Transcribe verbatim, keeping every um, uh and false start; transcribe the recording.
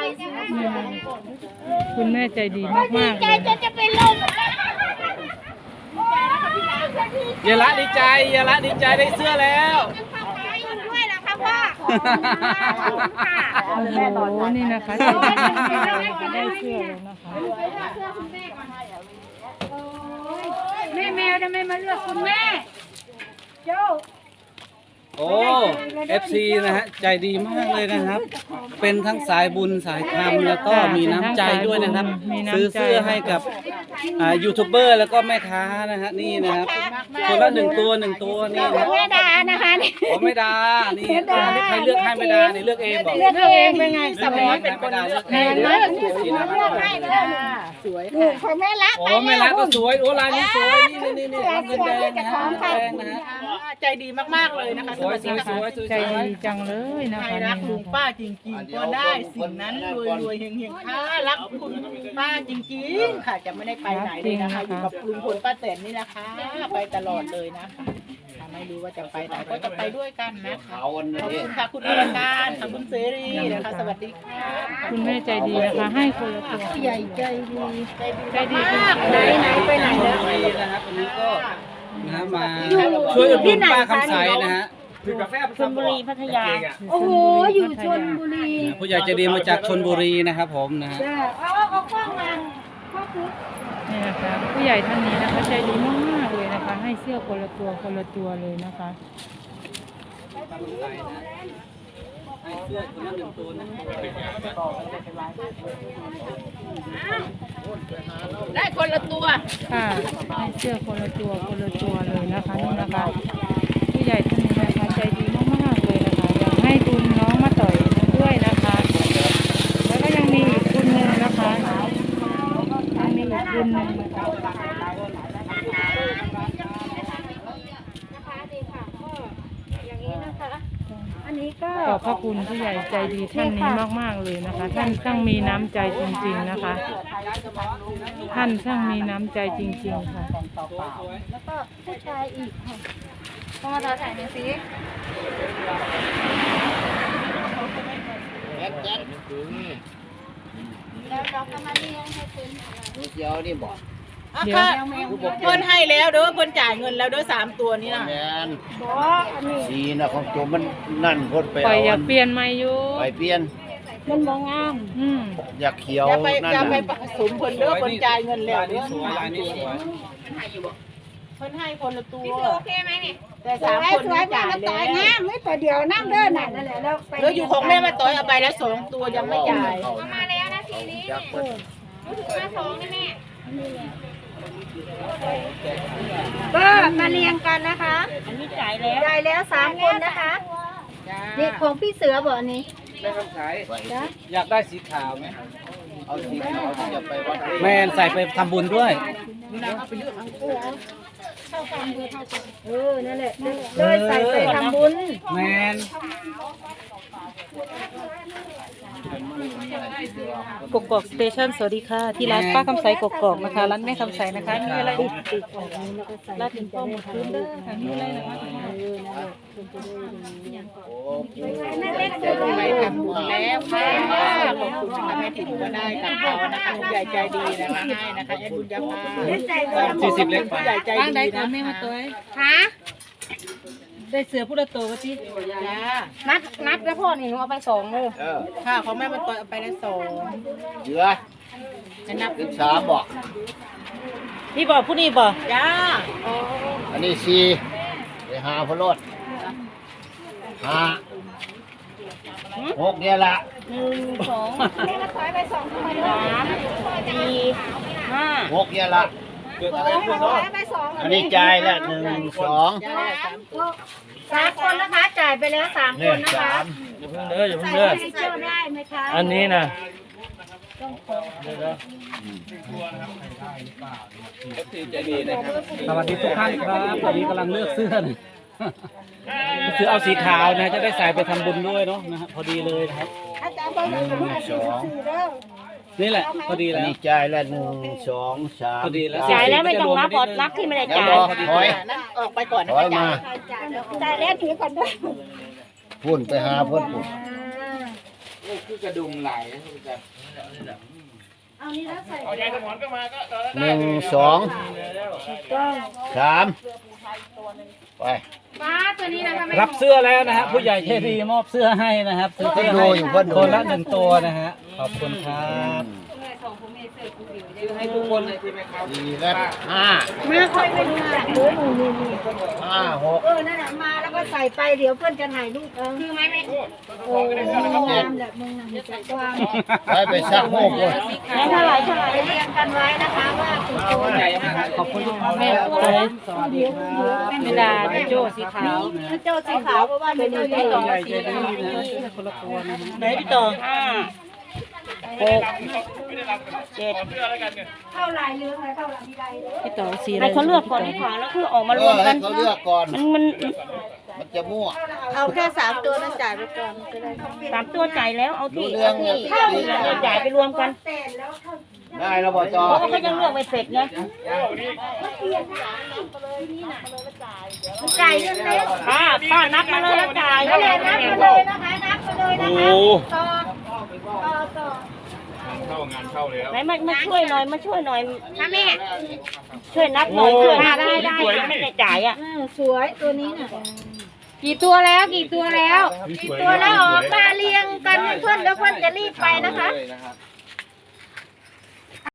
คุณแม่ใจดีมากๆใจเลยจะจะเป็นลมอย่าละดีใจอย่าละดีใจได้เสื้อแล้วด้วยนะคะพ่อค่ะโอ้โหนี่นะคะใจดีมากๆเลยนะคะได้เสื้อแล้วนะคะแม่แมวทำไมมาเลือกคุณแม่โจ้โอ้ เอฟ ซี นะฮะใจดีมากเลยนะครับ เป็นทั้งสายบุญสายธรรมแล้วก็มีน้ำใจด้วยนะครับ ซื้อเสื้อให้กับอ่ายูทูบเบอร์แล้วก็แม่ค้านะฮะนี่นะครับคนละหนึ่งตัวหนึ่งตัวนี่นะแม่ดานะคะนี่โอ้ไม่ดานี่ใครเลือกให้ไม่ดานี่เลือกเองบอกเลือกเองเป็นไงสมัยเป็นคนเลือกเองเลยนี่นะเลือกให้เลยสวยค่ะของแม่ละโอ้แม่รักก็สวยโอ้ลายนี้สวยนี่นี่นี่เงินแดงนะฮะเงินแดงนะฮะใจดีมากๆเลยนะคะสวยสวยสวยสวยใจดีจังเลยนะใครคะรักนี่ลุงป้าจริงๆก็ได้สิ่งนั้นรวยรวยๆเฮงเฮงๆค่ะรักคุณป้าจริงๆค่ะจะไม่ได้ไปไหนเลยนะคะอยู่กับลุงพลป้าแตนนี่นะคะไปตลอดเลยนะคะไม่รู้ว่าจะไปไหนก็จะไปด้วยกันนะคะขอบคุณค่ะคุณอรการค่ะคุณเสรีนะคะสวัสดีค่ะคุณแม่ใจดีนะคะ ให้คนละตัวใหญ่ใจดีใจดีมากไหนไหนไปไหนแล้วนะครับวันนี้ก็นะฮะมาช่วยอุดหนุนป้าคำใสนะฮะชลบุรีพัทยาโอ้โหอยู่ชนบุรีผู้ใหญ่ใจดีมาจากชลบุรีนะครับผมนะฮะจ้าเอาเอาเอาข้างมาข้อคือนี่นะคะผู้ใหญ่ท่านนี้นะคะใจดีมากๆเลยนะคะ ให้เสื้อคนละตัวคนละตัวเลยนะคะให้เสื้อคนละหนึ่งตัวนะได้คนละตัวค่ะให้เสื้อคนละตัวคนละตัวเลยนะคะนี่นะคะผู้ใหญ่ท่านนี้นะคะใจดีมากๆเลยนะคะอยากให้ทุนน้องมาต่อยด้วยนะคะ แล้วก็ยังมีอีกทุนหนึ่งนะคะยังมีอีกทุนหนึ่งนะคะอย่างนี้นะคะ อันนี้ก็ขอบพระคุณผู้ใหญ่ใจดีท่านนี้มากๆเลยนะคะ ท่านช่างมีน้ำใจจริงๆนะคะ ท่านช่างมีน้ำใจจริงๆค่ะแล้วก็ผู้ชายอีกค่ะพอมาต่อถ่ายหน่อยสิแล้วเราก็มาเลี้ยงให้เป็นเดี๋ยวนี่บอกอ่ะค่ะเพิ่นให้แล้วเด้อเพิ่นจ่ายเงินแล้วเด้อสามตัวนี้นะแมนบออันนี้สีนะของโจมมันนั่นคนไปปล่อยเอาอยากเปลี่ยนใหม่อยู่ไปเปลี่ยนมันบองามอืมอยากเขียวอย่าไปนั่นอย่าไปน่ะผสมเพิ่นเด้อเพิ่นจ่ายเงินแล้วลายเด้นี้อสวยลายนี้สวยเพิ่นให้คนละตัวโอเคไหมนี่แต่สสามวยคนสวยนี้แม่จ่ายมาต่อยแล้วงามไม่ต่อเดียวนั่งเดินน่ะนั่นแหละแล้วไปแล้วอยู่ของแม่มาต่อยเอาไปแล้วสองตัวยังไม่จ่ายมาแล้วนะทีนี้อยากเปิดมาสองนี่แม่ก็มาเรียงกันนะคะอันนี้จ่ายแล้วได้แล้วสามคนนะคะนี่ของพี่เสือบอกอันนี้ได้คำขายไปอยากได้สีขาวไหมเอาสีขาวที่จะไปวัดแมนใส่ไปทำบุญด้วยเออนั่นแหละเลยใส่ไปทำบุญแมนกกอกสเตชันสวัสดีค่ะที่ร้านป้าคำใสกกอกนะคะร้านแม่คำใสนะคะมีอะไรอีกร้านถึงป้อมหมดพื้นเด้อค่ะมีอะไรนะคะเล็กสุดไปทำบุญแล้วค่ะขอบคุณนะคะแม่ถิ่นก็ได้กับเขานะคะผู้ใหญ่ใจดีนะคะให้นะคะแอดบุญยาภาสี่สิบเล็กไปผู้ใหญ่ใจบ้างดีได้นะก่อนแม่มาตัวคะได้เสือผู้ละตัววะที่จ้านัดนัดแล้วพ่อนี่หนูเอาไปสองเลยเออค่ะของแม่มาต่อยเอาไปแล้วสองเหลือจะนับเป็นสามบอกนี่บอกผู้นี้บอกจ้าอันนี้สี่ไปหาพลดห้าหกเนี่ยละหนึ่งสองแม่มาถอยไปสองคนสามสี่ห้าหกเนี่ยละเกิดอะไรให้ขึ้มาน ถอเนาะยไปสองอันนี้จ่ายละหนึ่งสองจ้าสามตัวสามคนนะคะจ่ายไปแล้วสามคเนี่ยนนะคะสามอย่าเพิ่งเด้ออย่าเพิ่งใส่เด้อให้เจ้าได้ไหมคะอันนี้นะใจดีนะครับสวัสดีทุกท่านครับตอนนี้กำลังเลือกเสื้อนะคือเอาสีขาวนะจะได้ใส่ไปทำบุญด้วยเนาะนะฮะพอดีเลยนะครับอาจารย์บอกว่าหนูสี่สิบสี่เด้อนี่แหละพอดีอันแล้วนี้จ่ายละหนึ่งสองสามพอดีแล้วจ่ายแล้วไม่ต้องนับอดนับที่ไม่ได้เดี๋ยวจ่ายรอถอยนั่นออกไปก่อนนะถอยมาจ่ายแล้วถือก่อนด้วยพุ่นไปหาเพื่อนพุ่นคือกระดุมไหลนะคุณจะหนึ่งสองสามไปป้าตัวนี้นะคะไม่รับเสื้อแล้วนะฮะผู้ใหญ่ใจดีมอบเสื้อให้นะครับซื้อเสื้อให้คนละหนึ่งตัวนะฮะขอบคุณครับให้ทุกคนเลยใช่ไหมครับสี่และห้ามาคอยไปดูหลังดูหนูนี่นี่ห้าหกเออนั่นแหละมาแล้วก็ใส่ไปเดี๋ยวเพื่อนจะถ่ายรูปเออคือไหมไม่โอ้งามแบบมึงนะมีแต่ความไปไปซักโมกเลยแล้วเท่าไหร่เท่าไหร่เรียงกันไว้นะคะว่ากี่ตัวใหญ่มากขอบคุณทุกคนแม่ครับตัวสวัสดีครับเวลาโจ้สีขาวโจ้สีขาวเพราะว่าเป็นโจ้สีขาวใหญ่ใจดีนะคนละตัวนะไหนพี่ต่อห้าหกเจ็ดเข้าลายเรื่องอะไรเข้าลายมีลายเลยพี่ต่อสีอะไรให้เขาเลือกก่อนดีกว่าแล้วคือออกมารวมเออกัให้นเขาเลือกก่อนมันมันมันจะมั่วเอาแค่สามตัวนั้นจ่ายไปก่อนก็ได้สามตัวจ่ายแล้วเอารู้ที่เรื่องเอาเนี่ยที่เราจ่ายไปรวมกันแต่แล้วเขาได้แล้วบอจอเพราะว่าเขายังเลือกไม่เสร็จไงจ่ายเงินเล็กป้าป้านับมาเลยแล้วจ่ายนับเลยนับมาเลยนะคะนับมาเลยนะคะต่อต่อต่อไหนมามาช่วยหน่อยมาช่วยหน่อยนะแม่ช่วยนับหน่อยช่วยนับได้ได้ไม่ได้จ่ายอ่ะเออสวยตัวนี้น่ะกี่ตัวแล้วกี่ตัวแล้วกี่ตัวแล้วออกมาเรียงกันเพื่อนแล้วเพื่อนจะรีบไปนะคะ